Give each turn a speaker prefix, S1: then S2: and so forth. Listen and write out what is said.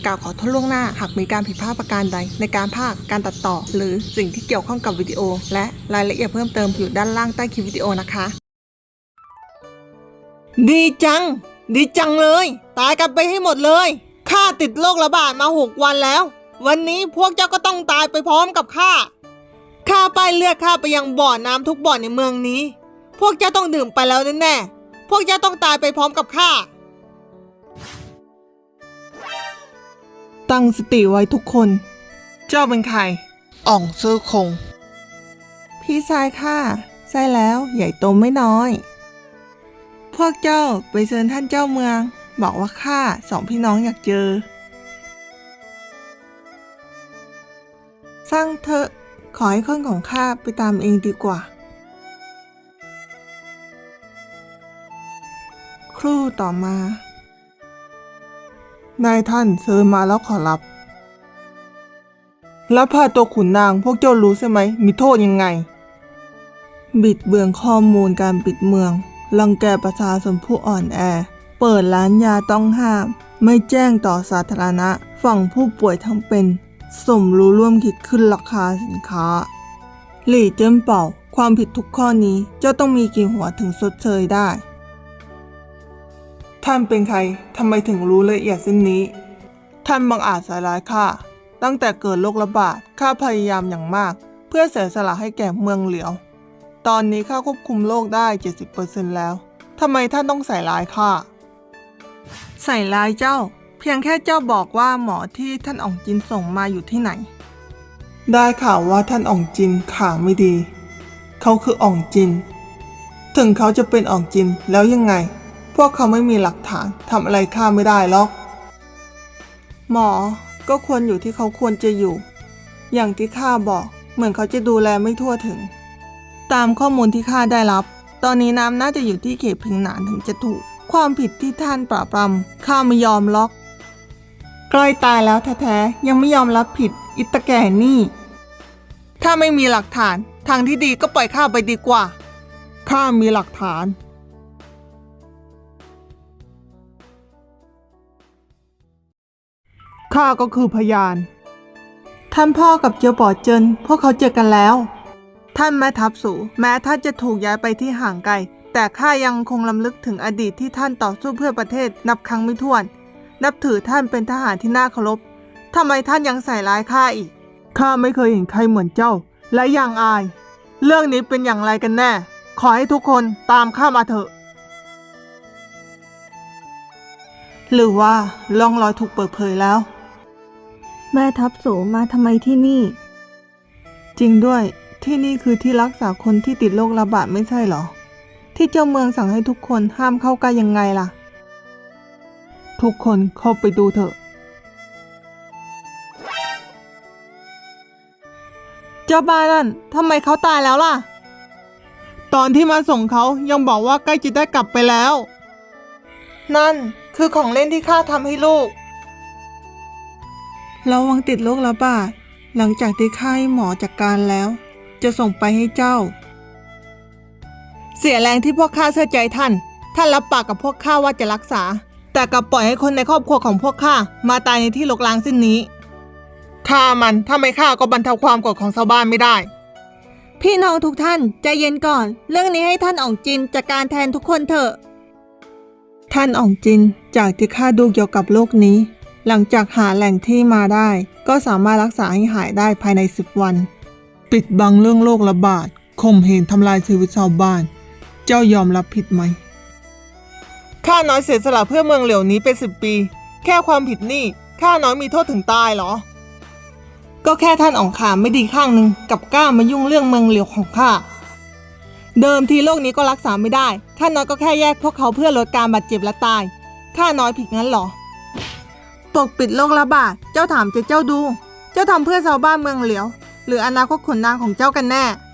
S1: กล่าวขอโทษล่วงหน้าหากมีการผิดพลาดประการใดในการพากย์การตัดต่อหรือสิ่งที่เกี่ยวข้องกับวิดีโอและรายละเอียดเพิ่มเติมอยู่ด้านล่างใต้คลิปวิดีโอนะคะดีจังเลยตายกันไปให้หมดเลยข้าติดโรคระบาดมา6 วันแล้ววันนี้พวกเจ้าก็ต้องตายไปพร้อมกับข้าป้ายเลือดข้าไปยังบ่อน้ำทุกบ่อในเมืองนี้พวกเจ้าต้องดื่มไปแล้วแน่ๆพวกเจ้าต้องตายไปพร้อมกับข้าตั้งสติไว้ทุกคนเจ้าเป็นใครอ่องซื่อคงพี่ชายข้าใช่แล้วใหญ่โตไม่น้อยพวกเจ้าไปเชิญท่านเจ้าเมืองบอกว่าข้า2 พี่น้องอยากเจอสร้างเถอะขอให้คนของข้าไปตามเองดีกว่าครู่ต่อมานายท่านเชิญมาแล้วขอรับแล้วพาตัวขุนนางพวกเจ้ารู้ใช่ไหมมีโทษยังไงบิดเบือนข้อมูลการปิดเมืองรังแกประชาชนผู้อ่อนแอเปิดร้านยาต้องห้ามไม่แจ้งต่อสาธารณะฝั่งผู้ป่วยทั้งเป็นสมรู้ร่วมคิดขึ้นราคาสินค้าหลี่เจิ้นเป่าความผิดทุกข้อนี้เจ้าต้องมีกี่หัวถึงชดเชยได้ท่านเป็นใครทำไมถึงรู้ละเอียดเส้นนี้ท่านบังอาจใส่ร้ายข้าตั้งแต่เกิดโรคระบาดข้าพยายามอย่างมากเพื่อเสียสละให้แก่เมืองเหลียวตอนนี้ข้าควบคุมโรคได้ 70% แล้วทำไมท่านต้องใส่ร้ายข้าใส่ร้ายเจ้าเพียงแค่เจ้าบอกว่าหมอที่ท่านอ่องจินส่งมาอยู่ที่ไหนได้ข่าวว่าท่านอ่องจินขาไม่ดีเขาคืออ่องจินถึงเขาจะเป็นอ่องจินแล้วยังไงพวกเขาไม่มีหลักฐานทำอะไรข้าไม่ได้หรอกหมอก็ควรอยู่ที่เขาควรจะอยู่อย่างที่ข้าบอกเหมือนเขาจะดูแลไม่ทั่วถึงตามข้อมูลที่ข้าได้รับตอนนี้น้ำน่าจะอยู่ที่เขตพิงหนานถึงจะถูกความผิดที่ท่านปราบปรามข้าไม่ยอมล็อกใกล้ตายแล้วแท้ๆยังไม่ยอมรับผิดอิตาแก่นี่ถ้าไม่มีหลักฐานทางที่ดีก็ปล่อยข้าไปดีกว่าข้ามีหลักฐานข้าก็คือพยานท่านพ่อกับเจียวป๋อเจินพวกเขาเจอกันแล้วท่านแม่ทัพสูแม้ท่านจะถูกย้ายไปที่ห่างไกลแต่ข้ายังคงรำลึกถึงอดีตที่ท่านต่อสู้เพื่อประเทศนับครั้งไม่ถ้วนนับถือท่านเป็นทหารที่น่าเคารพทำไมท่านยังใส่ร้ายข้าอีกข้าไม่เคยเห็นใครเหมือนเจ้าและยังอายเรื่องนี้เป็นอย่างไรกันแน่ขอให้ทุกคนตามข้ามาเถอะหรือว่าร่องรอยถูกเปิดเผยแล้วแม่ทัพสูมาทำไมที่นี่จริงด้วยที่นี่คือที่รักษาคนที่ติดโรคระบาดไม่ใช่หรอที่เจ้าเมืองสั่งให้ทุกคนห้ามเข้าใกล้ยังไงล่ะทุกคนเข้าไปดูเถอะเจ้าบ้านนั่นทำไมเขาตายแล้วล่ะตอนที่มาส่งเขายังบอกว่าใกล้จะได้กลับไปแล้วนั่นคือของเล่นที่ข้าทำให้ลูกระวังติดโรคระบาดหลังจากที่ข้าให้หมอจัดการแล้วจะส่งไปให้เจ้าเสียแรงที่พวกข้าเชื่อใจท่านรับปากกับพวกข้าว่าจะรักษาแต่กลับปล่อยให้คนในครอบครัวของพวกข้ามาตายในที่รกร้างเส้นนี้ฆ่ามันถ้าไม่ฆ่าก็บรรเทาความโกรธของชาวบ้านไม่ได้พี่น้องทุกท่านใจเย็นก่อนเรื่องนี้ให้ท่านอ่องจินจัดการแทนทุกคนเถอะท่านอ่องจินจากที่ข้าดูเกี่ยวกับโรคนี้หลังจากหาแหล่งที่มาได้ก็สามารถรักษาให้หายได้ภายใน10 วันปิดบังเรื่องโรคระบาดข่มเหงทำลายชีวิตชาวบ้านเจ้ายอมรับผิดไหมข้าน้อยเสียสละเพื่อเมืองเหลียวนี้เป็น10 ปีแค่ความผิดนี่ข้าน้อยมีโทษถึงตายเหรอก็แค่ท่านอ่องขามไม่ดีข้างหนึ่งกับกล้ามายุ่งเรื่องเมืองเหลียวของข้าเดิมทีโรคนี้ก็รักษาไม่ได้ข้าน้อยก็แค่แยกพวกเขาเพื่อลดการบาดเจ็บและตายข้าน้อยผิดงั้นเหรอปกปิดโรคระบาดเจ้าถามเจ้าดูเจ้าทำเพื่อชาวบ้านเมืองเหลียวหรืออนาคตขุนนางของเจ้ากันแน่